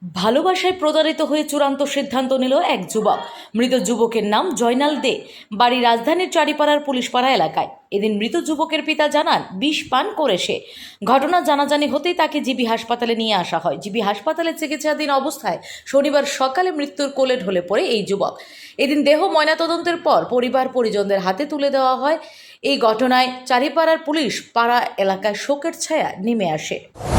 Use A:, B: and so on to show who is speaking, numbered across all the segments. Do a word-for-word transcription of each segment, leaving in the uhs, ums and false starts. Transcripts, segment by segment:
A: ভালোবাসায় প্রতারিত হয়ে চূড়ান্ত সিদ্ধান্ত নিল এক যুবক। মৃত যুবকের নাম জয়নাল দে, বাড়ি রাজধানীর চারিপাড়ার পুলিশপাড়া এলাকায়। এদিন মৃত যুবকের পিতা জানান, বিষ পান করে সে। ঘটনা জানাজানি হতেই তাকে জিবি হাসপাতালে নিয়ে আসা হয়। জিবি হাসপাতালে চিকিৎসাধীন অবস্থায় শনিবার সকালে মৃত্যুর কোলে ঢলে পড়ে এই যুবক। এদিন দেহ ময়নাতদন্তের পর পরিবার পরিজনদের হাতে তুলে দেওয়া হয়। এই ঘটনায় চারিপাড়ার পুলিশ পাড়া এলাকায় শোকের ছায়া নেমে আসে।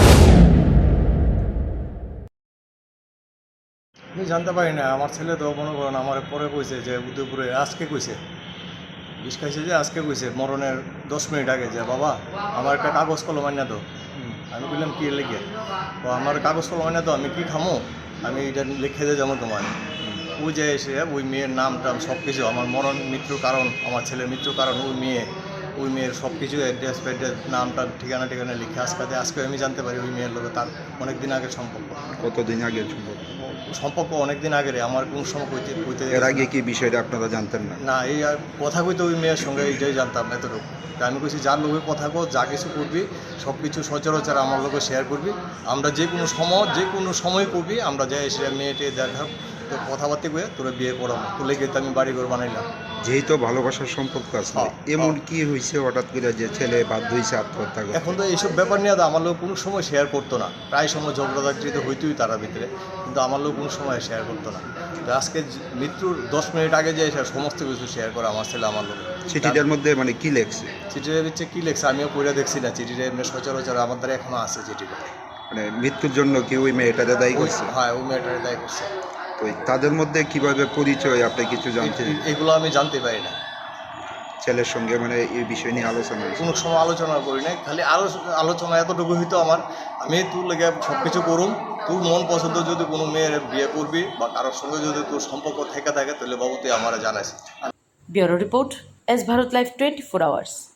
B: আমি জানতে পারি না, আমার ছেলে তো মনে করেন আমার পরে কইছে যে উদয়পুরে আজকে কইছে বিষ খাইছে, যে আজকে কইছে মরণের দশ মিনিট আগে যে বাবা আমার একটা কাগজ কলম আনিয়া দাও। আমি বললাম কি লিখে? ও আমার কাগজ কলম আনিয়া দাও, আমি কি খামো, আমি এটা লিখে দিয়ে যাবো তোমার। ওই যে এসে ওই মেয়ের নাম টাম সব কিছু, আমার মরণ মৃত্যুর কারণ, আমার ছেলের মৃত্যুর কারণ ওই মেয়ে, ওই মেয়ের সব কিছু অ্যাড্রেস ফ্যাড্রেস নামটা ঠিকানা ঠিকানা লিখে আজকে আজকে আমি জানতে পারি ওই মেয়ের লোক তার অনেক দিন আগের সম্পর্ক।
C: কতদিন আগের সম্পর্ক?
B: সম্পর্ক অনেক দিন আগের, আমার কোন সময় কইতে কইতে
C: এর আগে কি বিষয়টা আপনারা জানতেন না?
B: না, এই আর কথা কইতে ওই মেয়ের সঙ্গে এইটাই জানতাম এতটুকু। তা আমি কইছি যার লোকে কথা কো, যা কিছু করবি সব কিছু সচরাচর আমার লোকে শেয়ার করবি, আমরা যে কোনো সময় যে কোনো সময় করবি, আমরা যাই এসে মেয়েটে দেখা তো কথাবার্তা কয়ে তোরা বিয়ে করাবো, তুলে গিয়ে তো আমি বাড়ি ঘর বানাইলাম।
C: যেহেতু ভালোবাসার সম্পর্ক আছে, এমন কি হয়েছে হঠাৎ করে যে ছেলে বাধ্য হয়েছে আত্মহত্যা করতে?
B: এখন তো এইসব ব্যাপার নিয়ে তো আমার লোক কোনো সময় শেয়ার করতো না, প্রায় সময় ঝগড়াঝাটি তো হইতেই তারা ভিতরে, কিন্তু আমার লোক কোনো সময় শেয়ার করতো না। তো আজকে মৃত্যুর দশ মিনিট আগে যে সমস্ত কিছু শেয়ার করে আমার ছেলে আমার লোক।
C: চিঠিটার মধ্যে মানে কি লেখছে?
B: চিঠিটা হচ্ছে কি লেখছে আমিও পড়ে দেখছি না, চিঠিটা এমনি সচরাচর আমার দ্বারা এখনো আছে চিঠিটা।
C: মানে মৃত্যুর জন্য কি ওই মেয়েটারে দায়ী করছে?
B: হ্যাঁ, ওই মেয়েটারে দায়ী করছে।
C: তো তাদের মধ্যে কিভাবে পরিচয় আপনি কিছু জানছেন?
B: এগুলো আমি জানতে পারি না।
C: ছেলের সঙ্গে মানে এই বিষয় নিয়ে আলোচনা
B: কোনো সময় আলোচনা করি নাই, খালি আলোচনা এতটুকু হইতো আমার, আমি তোর লেগে সব কিছু করুম, তোর মন পছন্দ যদি কোনো মেয়ের বিয়ে করবি বা কারোর সঙ্গে যদি তোর সম্পর্ক থেকে থাকে তাহলে বাবু তুই আমার জানাইস।
A: Bureau report, S Bharat live twenty four hours.